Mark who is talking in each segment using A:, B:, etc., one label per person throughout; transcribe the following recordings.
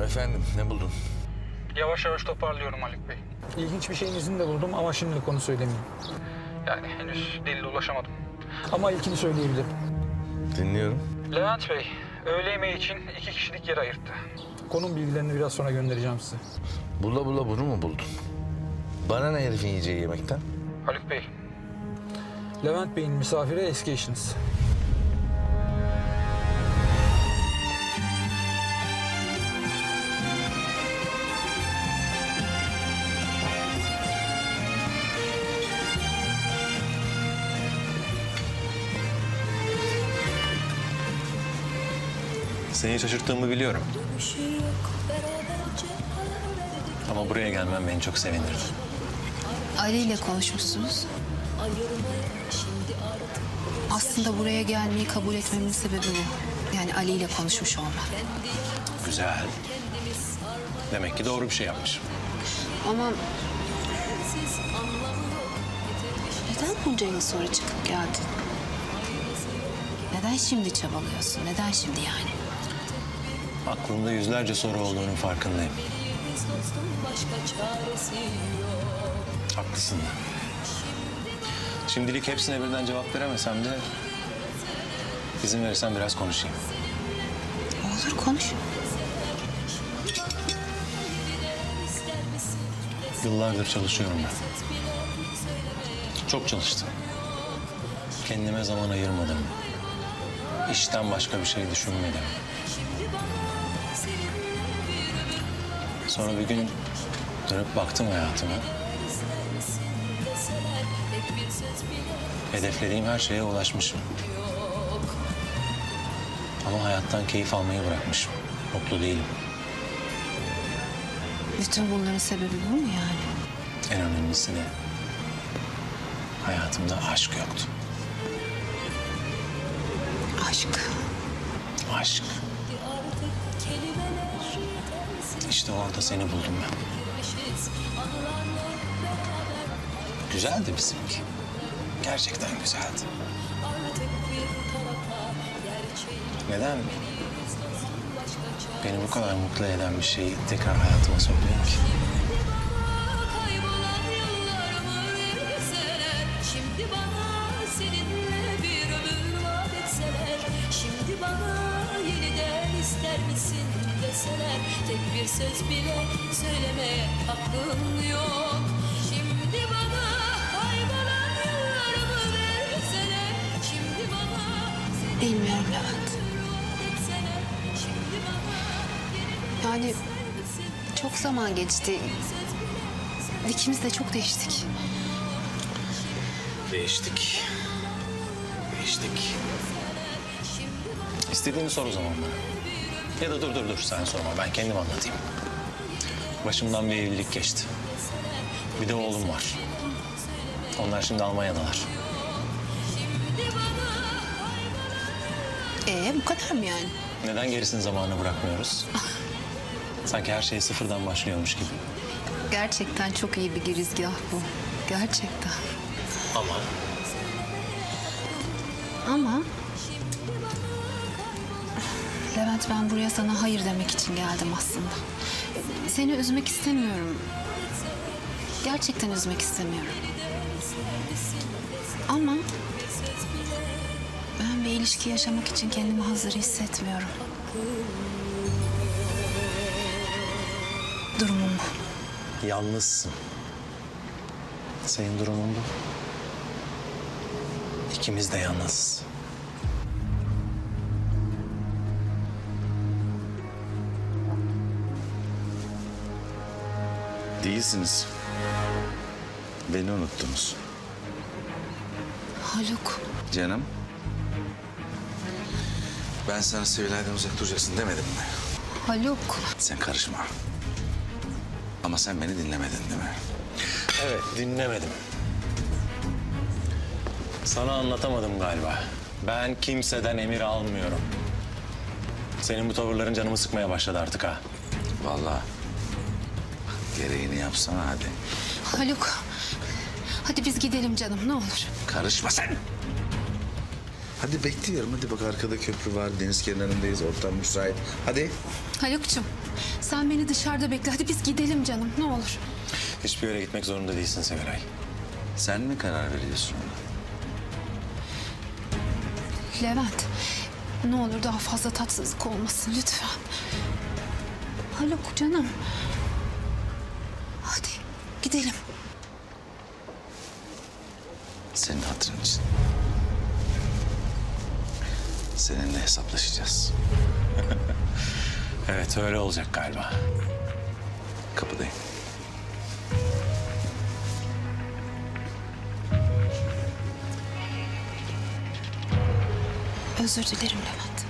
A: Efendim, ne buldun?
B: Yavaş yavaş toparlıyorum Haluk Bey. İlginç bir şeyin izini de buldum ama şimdilik onu söylemeyeyim. Yani henüz delile ulaşamadım. Ama ilkini söyleyebilirim.
A: Dinliyorum.
B: Levent Bey, öğle yemeği için 2 kişilik yer ayırttı. Konum bilgilerini biraz sonra göndereceğim size.
A: Bula bula bunu mu buldun? Bana ne herifin yiyeceği yemekten?
B: Haluk Bey, Levent Bey'in misafiri eski eşiniz.
C: Seni şaşırttığımı biliyorum. Ama buraya gelmem beni çok sevindirdi.
D: Ali ile konuşmuşsunuz. Aslında buraya gelmeyi kabul etmemin sebebi bu. Yani Ali ile konuşmuş olmam.
C: Güzel. Demek ki doğru bir şey yapmışım.
D: Ama neden bunca yıl sonra çıkıp geldin? Neden şimdi çabalıyorsun? Neden şimdi yani?
C: Aklımda yüzlerce soru olduğunun farkındayım. Haklısın. Şimdilik hepsine birden cevap veremesem de izin verirsen biraz konuşayım.
D: Olur, konuş.
C: Yıllardır çalışıyorum ben. Çok çalıştım. Kendime zaman ayırmadım. İşten başka bir şey düşünmedim. Sonra bir gün dönüp baktım hayatıma. Hedeflediğim her şeye ulaşmışım. Ama hayattan keyif almayı bırakmışım. Mutlu değilim.
D: Bütün bunların sebebi bu mu yani?
C: En önemlisi de hayatımda aşk yoktu.
D: Aşk.
C: Aşk. İşte orada seni buldum ben. Güzeldi bizimki. Gerçekten güzeldi. Neden beni bu kadar mutlu eden bir şeyi tekrar hayatıma sokmayayım ki?
E: Kaybolan yıllarımı verseler, şimdi bana seninle bir ömür vaat etseler, şimdi bana yeniden ister misin deseler, tek bir söz bile söylemeye hakkım yok. Şimdi bana kaybolan yıllarımı verseler, şimdi bana
D: Bilmiyorum Levent.
E: etseler, şimdi bana
D: Yani çok zaman geçti. İkimiz de çok değiştik.
C: Değiştik. Değiştik. İstediğini sor o zaman bana. Ya da dur sen sorma, ben kendim anlatayım. Başımdan bir evlilik geçti. Bir de oğlum var. Onlar şimdi Almanya'dalar.
D: Bu kadar mı yani?
C: Neden gerisini zamanına bırakmıyoruz? Sanki her şey sıfırdan başlıyormuş gibi.
D: Gerçekten çok iyi bir girizgah bu. Gerçekten.
C: Ama
D: Ama Levent, ben buraya sana hayır demek için geldim aslında. Seni üzmek istemiyorum. Gerçekten üzmek istemiyorum. Ama ben bir ilişki yaşamak için kendimi hazır hissetmiyorum. Durumum bu.
C: yalnızsın. Senin durumun bu. İkimiz de yalnızız.
A: Değilsiniz. Beni unuttunuz.
D: Haluk,
A: Canım. Ben sana Sevilay'dan uzak duracaksın demedim mi?
D: Haluk.
A: Sen karışma. Ama sen beni dinlemedin değil mi?
C: Evet, dinlemedim. Sana anlatamadım galiba. Ben kimseden emir almıyorum. Senin bu tavırların canımı sıkmaya başladı artık ha.
A: Vallahi. Gereğini yapsana hadi.
D: Haluk, hadi biz gidelim canım, ne olur.
A: Karışma sen. Hadi bekliyorum. Hadi bak arkada köprü var. Deniz kenarındayız. Ortam müsait. Hadi.
D: Haluk'cum sen beni dışarıda bekle. Hadi biz gidelim canım ne olur.
C: Hiçbir yere gitmek zorunda değilsin Sevilay.
A: Sen mi karar veriyorsun?
D: Levent ne olur daha fazla tatsızlık olmasın lütfen. Haluk canım. Hadi gidelim.
A: Senin hatırın için. Seninle hesaplaşacağız.
C: Evet öyle olacak galiba.
A: Kapıdayım.
D: Özür dilerim Levent.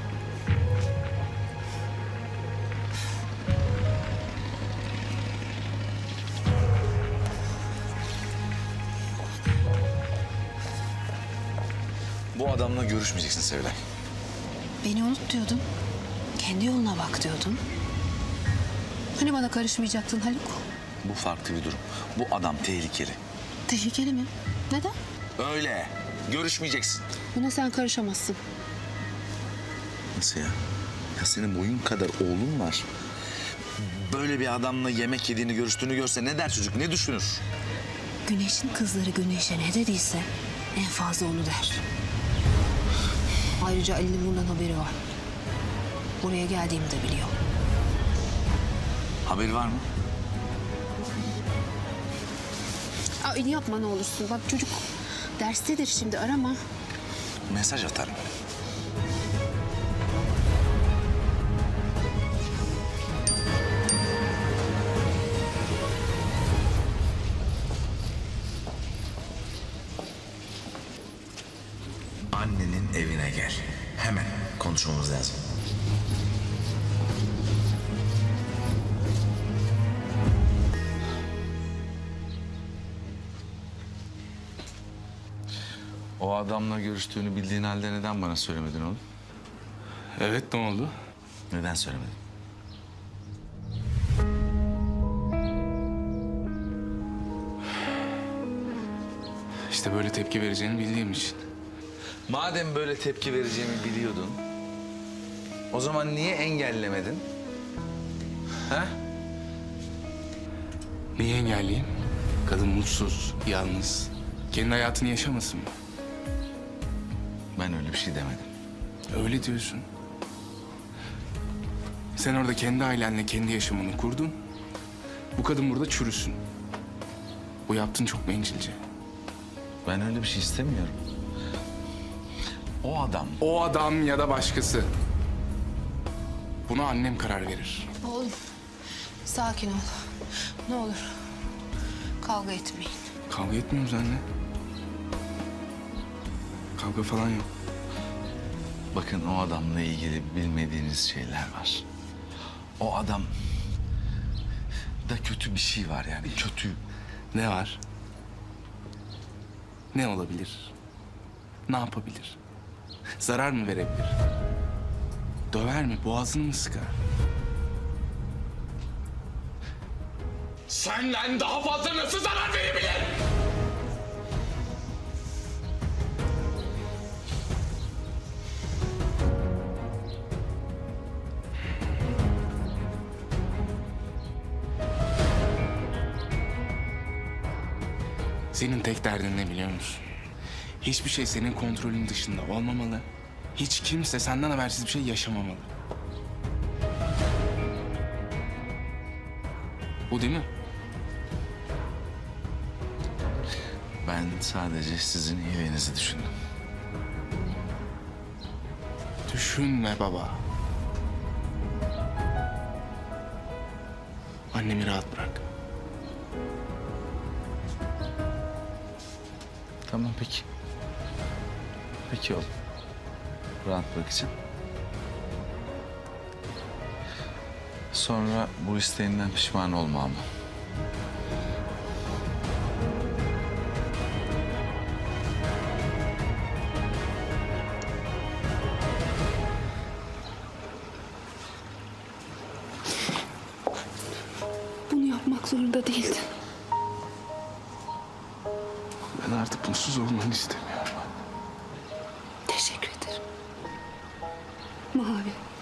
A: Bu adamla görüşmeyeceksin Sevilay.
D: Beni unut diyordun. Kendi yoluna bak diyordun. Hani bana karışmayacaktın Haluk?
A: Bu farklı bir durum. Bu adam tehlikeli.
D: Tehlikeli mi? Neden?
A: Öyle. Görüşmeyeceksin.
D: Buna sen karışamazsın.
A: Nasıl ya? Ya senin boyun kadar oğlun var. Böyle bir adamla yemek yediğini, görüştüğünü görse ne der çocuk, ne düşünür?
D: Güneşin kızları Güneş'e ne dediyse en fazla onu der. Ayrıca Ali'nin bundan haberi var. Buraya geldiğimi de biliyor.
A: Haberi var mı?
D: Ali yapma ne olursun. Bak çocuk derstedir şimdi arama.
A: Mesaj atarım. Annenin evine gel. Hemen konuşmamız lazım. O adamla görüştüğünü bildiğin halde neden bana söylemedin oğlum?
F: Evet, ne oldu?
A: Neden söylemedin?
F: İşte böyle tepki vereceğini bildiğim için.
A: Madem böyle tepki vereceğimi biliyordun, o zaman niye engellemedin? Ha?
F: Niye engelleyeyim? Kadın mutsuz, yalnız. Kendi hayatını yaşamasın mı?
A: Ben öyle bir şey demedim.
F: Öyle diyorsun. Sen orada kendi ailenle kendi yaşamını kurdun. Bu kadın burada çürüsün. Bu yaptığın çok bencilce.
A: Ben öyle bir şey istemiyorum. O adam
F: O adam ya da başkası. Buna annem karar verir.
D: Oğlum sakin ol. Ne olur kavga etmeyin.
F: Kavga etmiyoruz anne. Kavga falan yok.
A: bakın o adamla ilgili bilmediğiniz şeyler var. O adam da kötü bir şey var yani kötü.
F: Ne var? Ne olabilir? Ne yapabilir? Zarar mı verebilir? Döver mi? Boğazını mı sıkar? Senden daha fazla nasıl zarar verebilir? Senin tek derdin ne biliyor musun? Hiçbir şey senin kontrolün dışında olmamalı. Hiç kimse senden habersiz bir şey yaşamamalı. Bu değil mi?
A: Ben sadece sizin iyiliğinizi düşündüm.
F: Düşünme baba. Annemi rahat bırak.
A: Tamam peki. Peki oğlum. Rahat bırakacağım. Sonra bu isteğinden pişman olma ama.
D: Bunu yapmak zorunda değildin.
F: Ben artık mutsuz olmanı istemiyorum.
D: Teşekkür
G: Mavi.